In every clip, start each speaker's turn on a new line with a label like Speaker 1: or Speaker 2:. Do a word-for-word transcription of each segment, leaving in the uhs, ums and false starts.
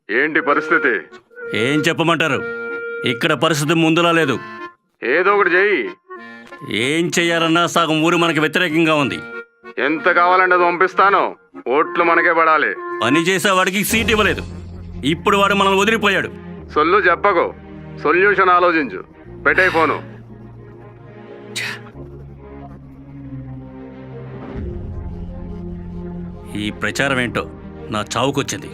Speaker 1: ఏంటి పరిస్థితి?
Speaker 2: ఏం చెప్పమంటారు? ఇక్కడ పరిస్థితి ముందులా లేదు.
Speaker 1: ఏదో ఒకటి చెయ్యి.
Speaker 2: ఏం చెయ్యాలన్నా సగం ఊరు మనకి వ్యతిరేకంగా ఉంది.
Speaker 1: ఎంత కావాలంటే అది పంపిస్తాను. ఓట్లు మనకే పడాలి.
Speaker 2: పని చేసేవాడికి సీట్ ఇవ్వలేదు, ఇప్పుడు వాడు మనల్ని వదిలిపోయాడు.
Speaker 1: సొల్లు చెప్పకు, సొల్యూషన్ ఆలోచించు. పెట్టే ఫోను.
Speaker 2: ఈ ప్రచారం ఏంటో నా చావుకొచ్చింది.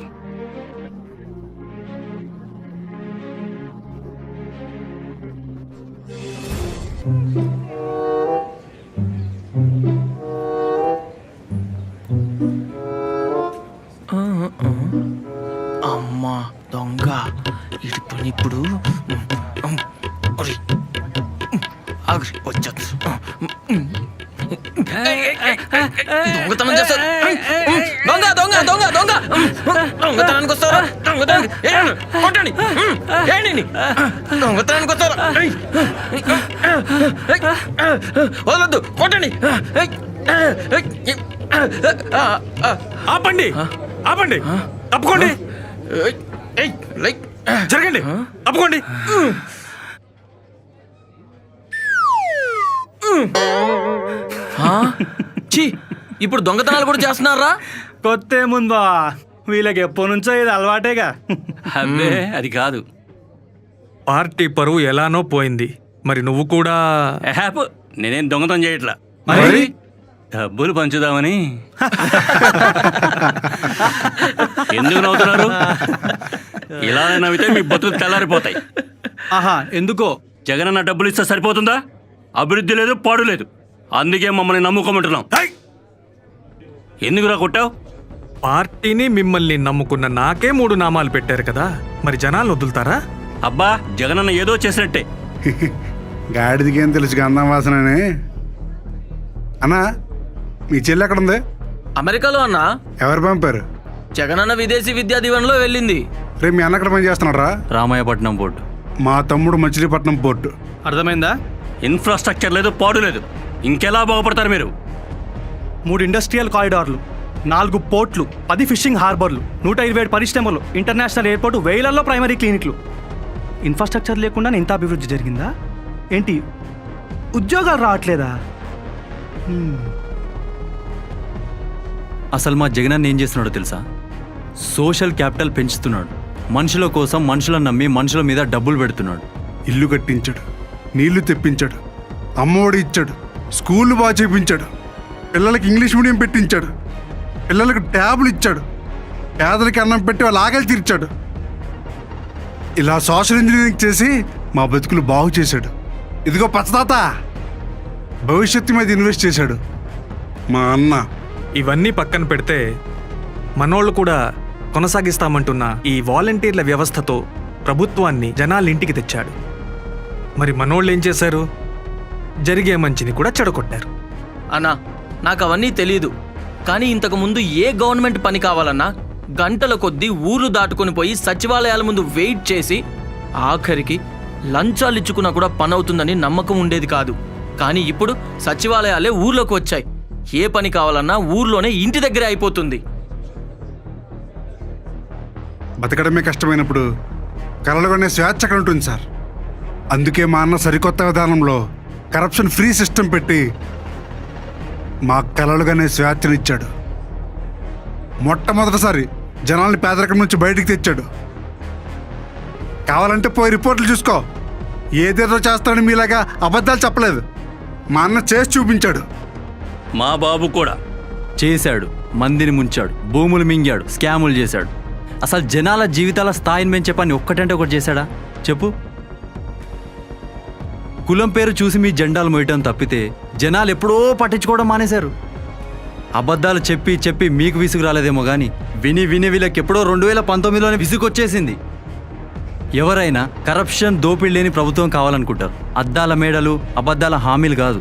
Speaker 3: అమ్మా దొంగ ఇటు పని ఇప్పుడు వచ్చా దొంగతనం చేస్తారు. దొంగ దొంగ దొంగ దొంగ దొంగతనానికి వస్తారా? దొంగతనానికి కొట్టండి. ఏంటి దొంగతనానికి వస్తారా? వదలొద్దు, కొట్టండి.
Speaker 4: ఆపండి, ఆపండి, తప్పుకోండి, జరగండి, తప్పుకోండి.
Speaker 3: ఛీ, ఇప్పుడు దొంగతనాలు కూడా చేస్తున్నారా?
Speaker 4: కొత్త ఏముందా, వీళ్ళకి ఎప్పటి నుంచో ఇది అలవాటేగా.
Speaker 2: అబ్బే అది కాదు.
Speaker 5: పార్టీ పరువు ఎలానో పోయింది, మరి నువ్వు కూడా
Speaker 2: హ్యాప్ నేనేం దొంగతనం చేయట్లా,
Speaker 5: మరి
Speaker 2: డబ్బులు పంచుదామని. ఎందుకు నవ్వుతున్నారు? ఇలా నవ్వితే మీ బతుకులు తెల్లారిపోతాయి.
Speaker 4: ఆహా, ఎందుకో?
Speaker 2: జగనన్న డబ్బులు ఇస్తే సరిపోతుందా? అభివృద్ధి లేదు, పాడు లేదు. అందుకే మమ్మల్ని నమ్ముకోమంటున్నాం. ఎందుకురా కొట్టావు?
Speaker 5: పార్టీని మిమ్మల్ని నమ్ముకున్న నాకే మూడు నామాలు పెట్టారు కదా, మరి జనాలు వదులుతారా?
Speaker 2: అబ్బా, జగనన్న ఏదో చేసినట్టే.
Speaker 6: గాడిదికేం తెలుసు గంధం వాసనని. అన్నా, మీ చెల్లి ఎక్కడ ఉంది?
Speaker 3: అమెరికాలో అన్నా.
Speaker 6: ఎవరు పంపారు?
Speaker 3: జగనన్న విదేశీ విద్యా దీవెనలో వెళ్ళింది.
Speaker 6: రేపు మీ అన్న ఎక్కడ పని చేస్తున్నారా?
Speaker 2: రామాయపట్నం పోర్టు.
Speaker 6: మా తమ్ముడు మచిలీపట్నం పోర్టు.
Speaker 4: అర్థమైందా?
Speaker 2: ఇన్ఫ్రాస్ట్రక్చర్ లేదు, పాడు లేదు. ఇంకెలా బాగుపడతారు మీరు?
Speaker 4: మూడు ఇండస్ట్రియల్ కారిడార్లు, నాలుగు పోర్ట్లు, పది ఫిషింగ్ హార్బర్లు, నూట ఇరవై ఏడు పరిశ్రమలు, ఇంటర్నేషనల్ ఎయిర్పోర్టు, వేలల్లో ప్రైమరీ క్లినిక్లు. ఇన్ఫ్రాస్ట్రక్చర్ లేకుండా ఇంత అభివృద్ధి జరిగిందా ఏంటి? ఉద్యోగాలు రావట్లేదా?
Speaker 7: అసలు మా జగనన్న ఏం చేస్తున్నాడో తెలుసా? సోషల్ క్యాపిటల్ పెంచుతున్నాడు. మనుషుల కోసం మనుషులను నమ్మి మనుషుల మీద డబ్బులు పెడుతున్నాడు.
Speaker 6: ఇల్లు కట్టించాడు, నీళ్లు తెప్పించాడు, అమ్మఒడి ఇచ్చాడు, స్కూళ్ళు బాగా చేపించాడు, పిల్లలకి ఇంగ్లీష్ మీడియం పెట్టించాడు, పిల్లలకు ట్యాబులు ఇచ్చాడు, పేదలకి అన్నం పెట్టి వాళ్ళ ఆకలి తీర్చాడు. ఇలా సోషల్ ఇంజనీరింగ్ చేసి మా బతుకులు బాగు చేశాడు. ఇదిగో పచ్చదాత, భవిష్యత్తు మీద ఇన్వెస్ట్ చేశాడు మా అన్న.
Speaker 5: ఇవన్నీ పక్కన పెడితే మనోళ్ళు కూడా కొనసాగిస్తామంటున్న ఈ వాలంటీర్ల వ్యవస్థతో ప్రభుత్వాన్ని జనాల ఇంటికి తెచ్చాడు. మరి మనోళ్ళు ఏం చేశారు? జరిగే మంచిని కూడా చెడగొట్టారు.
Speaker 3: అన్నా, నాకు అవన్నీ తెలీదు, కానీ ఇంతకు ముందు ఏ గవర్నమెంట్ పని కావాలన్నా గంటల కొద్దీ ఊర్లు దాటుకొని పోయి సచివాలయాల ముందు వెయిట్ చేసి ఆఖరికి లంచాలు ఇచ్చుకున్నా కూడా పని అవుతుందని నమ్మకం ఉండేది కాదు. కానీ ఇప్పుడు సచివాలయాలే ఊర్లోకి వచ్చాయి. ఏ పని కావాలన్నా ఊర్లోనే ఇంటి దగ్గరే అయిపోతుంది.
Speaker 6: బతకడమే కష్టమైనప్పుడు కలలుగానే స్వేచ్ఛ అక్కడ ఉంటుంది సార్. అందుకే మా అన్న సరికొత్త విధానంలో కరప్షన్ ఫ్రీ సిస్టమ్ పెట్టి మా కలలుగానే స్వేచ్ఛనిచ్చాడు. మొట్టమొదటిసారి జనాల్ని పేదరికం నుంచి బయటికి తెచ్చాడు. కావాలంటే పోయి రిపోర్ట్లు చూసుకో. ఏదేదో చేస్తాడని మీలాగా అబద్ధాలు చెప్పలేదు. మా అన్న చేసి చూపించాడు.
Speaker 2: మా బాబు కూడా
Speaker 7: చేశాడు, మందిని ముంచాడు, భూములు మింగాడు, స్కాములు చేశాడు. అసలు జనాల జీవితాల స్థాయిని పెంచే పని ఒక్కటంటే ఒకటి చేశాడా చెప్పు? కులం పేరు చూసి మీ జెండాలు మోయటం తప్పితే జనాలు ఎప్పుడో పట్టించుకోవడం మానేశారు. అబద్ధాలు చెప్పి చెప్పి మీకు విసుగు రాలేదేమో కానీ విని విని వీళ్ళకి ఎప్పుడో రెండు వేల పంతొమ్మిదిలోనే విసుగొచ్చేసింది. ఎవరైనా కరప్షన్, దోపిడీ లేని ప్రభుత్వం కావాలనుకుంటారు. అద్దాల మేడలు, అబద్ధాల హామీలు కాదు.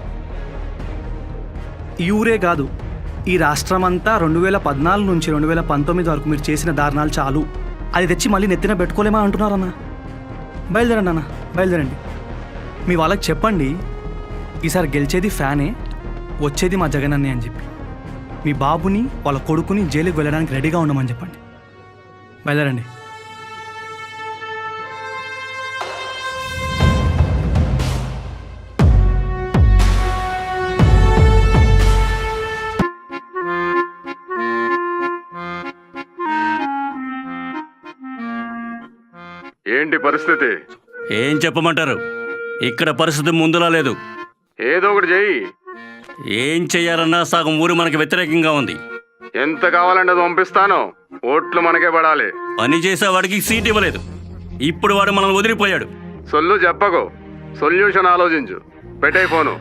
Speaker 4: ఈ ఊరే కాదు, ఈ రాష్ట్రం అంతా రెండు వేల పద్నాలుగు నుంచి రెండు వేల పంతొమ్మిది వరకు మీరు చేసిన దారుణాలు చాలు. అది తెచ్చి మళ్ళీ నెత్తిన పెట్టుకోలేమా అంటున్నారన్నా? బయలుదేరండి అన్న, బయలుదేరండి. మీ వాళ్ళకి చెప్పండి, ఈసారి గెలిచేది ఫ్యానే, వచ్చేది మా జగనన్నే అని చెప్పి. మీ బాబుని వాళ్ళ కొడుకుని జైలుకి వెళ్ళడానికి రెడీగా ఉండమని చెప్పండి. బయలుదేరండి.
Speaker 1: ఏంటి పరిస్థితి?
Speaker 2: ఏం చెప్పమంటారు? ఇక్కడ పరిస్థితి ముందులా లేదు.
Speaker 1: ఏదో ఒకటి చెయ్యి.
Speaker 2: ఏం చెయ్యాలన్నా సగం ఊరు మనకి వ్యతిరేకంగా ఉంది.
Speaker 1: ఎంత కావాలంటే అది పంపిస్తాను. ఓట్లు మనకే పడాలి.
Speaker 2: పని చేసేవాడికి సీట్ ఇవ్వలేదు. ఇప్పుడు వాడు మనల్ని వదిలిపోయాడు.
Speaker 1: సొల్లు చెప్పకు, సొల్యూషన్ ఆలోచించు. పెట్టే ఫోను.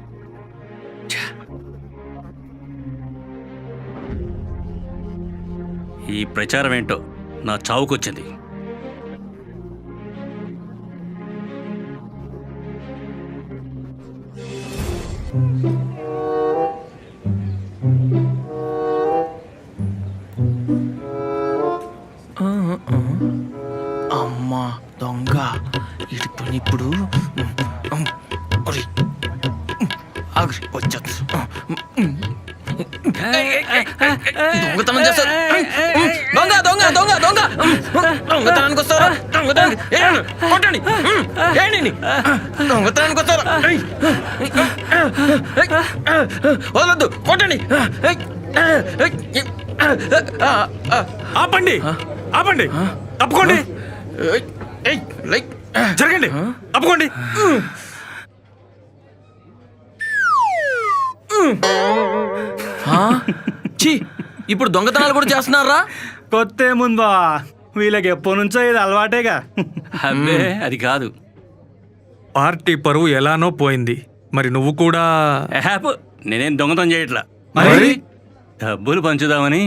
Speaker 2: ఈ ప్రచారం ఏంటో నా చావుకొచ్చింది.
Speaker 3: అమ్మా దొంగ ఇటు పని ఇప్పుడు వచ్చేది దొంగతనం చేస్తారు. దొంగ దొంగ దొంగ దొంగ దొంగతనానికి వస్తారా? దొంగతనానికి కొట్టండి. ఏంటి దొంగతనానికి వస్తారా? వదలొద్దు, కొట్టండి.
Speaker 5: ఆపండి ఆపండి తప్పుకోండి
Speaker 3: లైక్
Speaker 5: జరగండి తప్పుకోండి.
Speaker 3: ఛీ, ఇప్పుడు దొంగతనాలు కూడా చేస్తున్నారా?
Speaker 4: కొత్త ఏముందా, వీళ్ళకి ఎప్పటి నుంచో ఇది అలవాటేగా.
Speaker 2: అబ్బే అది కాదు.
Speaker 5: పార్టీ పరువు ఎలానో పోయింది. మరి నువ్వు కూడా
Speaker 2: హ్యాప్ నేనేం దొంగతనం చేయట్లా.
Speaker 5: మరి
Speaker 2: డబ్బులు పంచుదామని.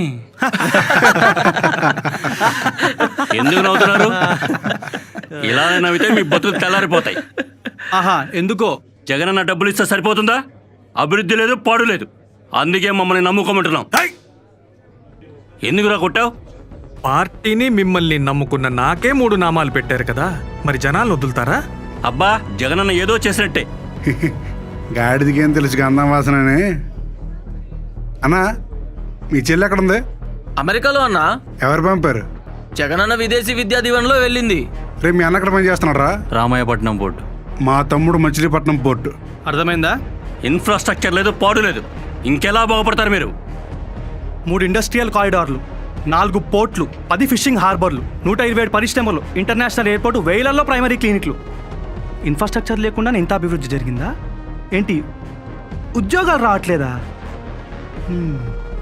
Speaker 2: ఎందుకు నవ్వుతున్నారు? ఇలా నవ్వితే మీ బతుకు తెల్లారిపోతాయి.
Speaker 4: ఆహా, ఎందుకో
Speaker 2: జగనన్న డబ్బులు ఇస్తే సరిపోతుందా? అభివృద్ధి లేదు, పాడు లేదు. అందుకే మమ్మల్ని నమ్ముకోమంటున్నాం.
Speaker 5: హై!
Speaker 2: ఎందుకురా కొట్టావు?
Speaker 5: పార్టీని మిమ్మల్ని నమ్ముకున్న నాకే మూడు నామాలు పెట్టారు కదా, మరి జనాలు వదులుతారా?
Speaker 2: అబ్బా, జగనన్న ఏదో చేసినట్టే.
Speaker 6: గాడిదికేం తెలుసు గంధం వాసనని. అన్నా, మీ చెల్లి ఎక్కడ ఉంది?
Speaker 3: అమెరికాలో అన్న
Speaker 6: ఎవరు పంపారు?
Speaker 3: జగనన్న విదేశీ విద్యా దీవెనలో వెళ్ళింది.
Speaker 6: రేపు మీ అన్న ఎక్కడ పని చేస్తున్నారా?
Speaker 7: రామాయపట్నం బోర్డు.
Speaker 6: మా తమ్ముడు మచిలీపట్నం పోర్టు.
Speaker 4: అర్థమైందా?
Speaker 2: ఇన్ఫ్రాస్ట్రక్చర్ లేదు, పాడు లేదు. ఇంకెలా బాగుపడతారు మీరు?
Speaker 4: మూడు ఇండస్ట్రియల్ కారిడార్లు, నాలుగు పోర్ట్లు, పది ఫిషింగ్ హార్బర్లు, నూట ఇరవై ఏడు పరిశ్రమలు, ఇంటర్నేషనల్ ఎయిర్పోర్టు, వేలల్లో ప్రైమరీ క్లినిక్లు. ఇన్ఫ్రాస్ట్రక్చర్ లేకుండా ఇంత అభివృద్ధి జరిగిందా ఏంటి? ఉద్యోగాలు రావట్లేదా? హ్మ్.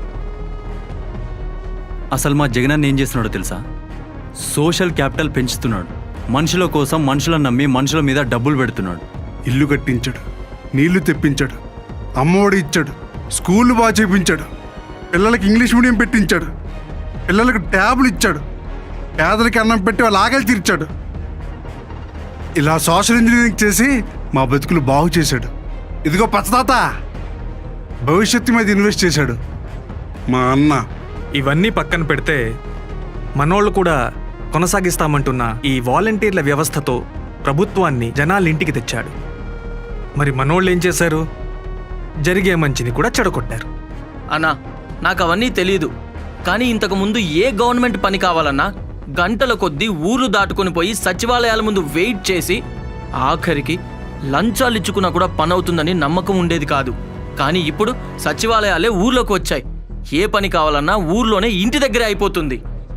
Speaker 7: అసలు మా జగనన్న ఏం చేస్తున్నాడో తెలుసా? సోషల్ క్యాపిటల్ పెంచుతున్నాడు. మనుషుల కోసం మనుషులను నమ్మి మనుషుల మీద డబ్బులు పెడుతున్నాడు.
Speaker 6: ఇల్లు కట్టించాడు, నీళ్లు తెప్పించాడు, అమ్మఒడి ఇచ్చాడు, స్కూళ్ళు బాగా చేపించాడు, పిల్లలకి ఇంగ్లీష్ మీడియం పెట్టించాడు, పిల్లలకు ట్యాబులు ఇచ్చాడు, పేదలకి అన్నం పెట్టి వాళ్ళ ఆకలి తీర్చాడు. ఇలా సోషల్ ఇంజనీరింగ్ చేసి మా బతుకులు బాగు చేశాడు. ఇదిగో పచ్చదాత, భవిష్యత్తు మీద ఇన్వెస్ట్ చేశాడు మా అన్న.
Speaker 5: ఇవన్నీ పక్కన పెడితే మనోళ్ళు కూడా కొనసాగిస్తామంటున్న ఈ వాలంటీర్ల వ్యవస్థతో ప్రభుత్వాన్ని జనాల ఇంటికి తెచ్చాడు. మరి మనోళ్ళు ఏం చేశారు? జరిగే మంచిని కూడా చెడగొట్టారు.
Speaker 3: అన్నా, నాకు అవన్నీ తెలీదు. కానీ ఇంతకు ముందు ఏ గవర్నమెంట్ పని కావాలన్నా గంటల కొద్దీ ఊర్లు దాటుకొని పోయి సచివాలయాల ముందు వెయిట్ చేసి ఆఖరికి లంచాలు ఇచ్చుకున్నా కూడా పని అవుతుందని నమ్మకం ఉండేది కాదు. కానీ ఇప్పుడు సచివాలయాలే ఊర్లోకి వచ్చాయి. ఏ పని కావాలన్నా ఊర్లోనే ఇంటి దగ్గరే అయిపోతుంది.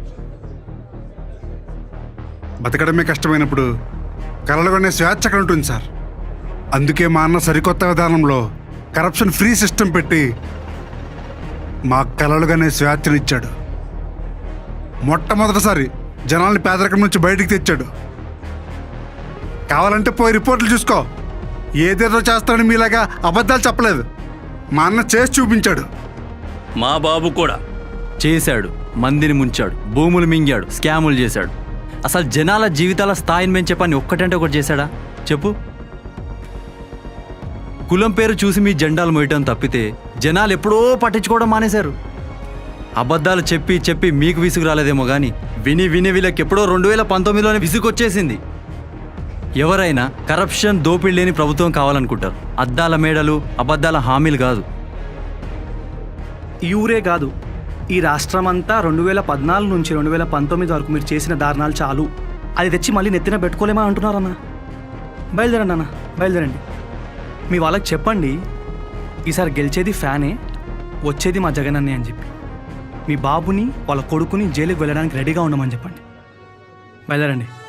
Speaker 6: బతకడమే కష్టమైనప్పుడు కలలుగొనే స్వేచ్ఛ అక్కడ ఉంటుంది సార్. అందుకే మా అన్న సరికొత్త విధానంలో కరప్షన్ ఫ్రీ సిస్టమ్ పెట్టి మా కలలుగానే స్వేచ్ఛనిచ్చాడు. మొట్టమొదటిసారి జనాల్ని పేదరికం నుంచి బయటికి తెచ్చాడు. కావాలంటే పోయి రిపోర్ట్లు చూసుకో. ఏదేదో చేస్తాడని మీలాగా అబద్ధాలు చెప్పలేదు. మా అన్న చేసి చూపించాడు.
Speaker 2: మా బాబు కూడా
Speaker 7: చేశాడు, మందిని ముంచాడు, భూములు మింగాడు, స్కాములు చేశాడు. అసలు జనాల జీవితాల స్థాయిని పెంచే పని ఒక్కటంటే ఒకటి చేశాడా చెప్పు? కులం పేరు చూసి మీ జెండాలు మోయటం తప్పితే జనాలు ఎప్పుడో పట్టించుకోవడం మానేశారు. అబద్ధాలు చెప్పి చెప్పి మీకు విసుగు రాలేదేమో కానీ విని విని వీళ్ళకి ఎప్పుడో రెండు వేల పంతొమ్మిదిలోనే విసుగు వచ్చేసింది. ఎవరైనా కరప్షన్, దోపిడీ లేని ప్రభుత్వం కావాలనుకుంటారు. అద్దాల మేడలు, అబద్ధాల హామీలు కాదు.
Speaker 4: ఈ ఊరే కాదు, ఈ రాష్ట్రం అంతా రెండు వేల పద్నాలుగు నుంచి రెండు వేల పంతొమ్మిది వరకు మీరు చేసిన దారుణాలు చాలు. అది తెచ్చి మళ్ళీ నెత్తిన పెట్టుకోలేమా అంటున్నారన్న. బయలుదేరండి అన్న, బయలుదేరండి. మీ వాళ్ళకి చెప్పండి, ఈసారి గెలిచేది ఫ్యానే, వచ్చేది మా జగనన్నే అని చెప్పి. మీ బాబుని వాళ్ళ కొడుకుని జైలుకి వెళ్ళడానికి రెడీగా ఉండమని చెప్పండి. బయలుదేరండి.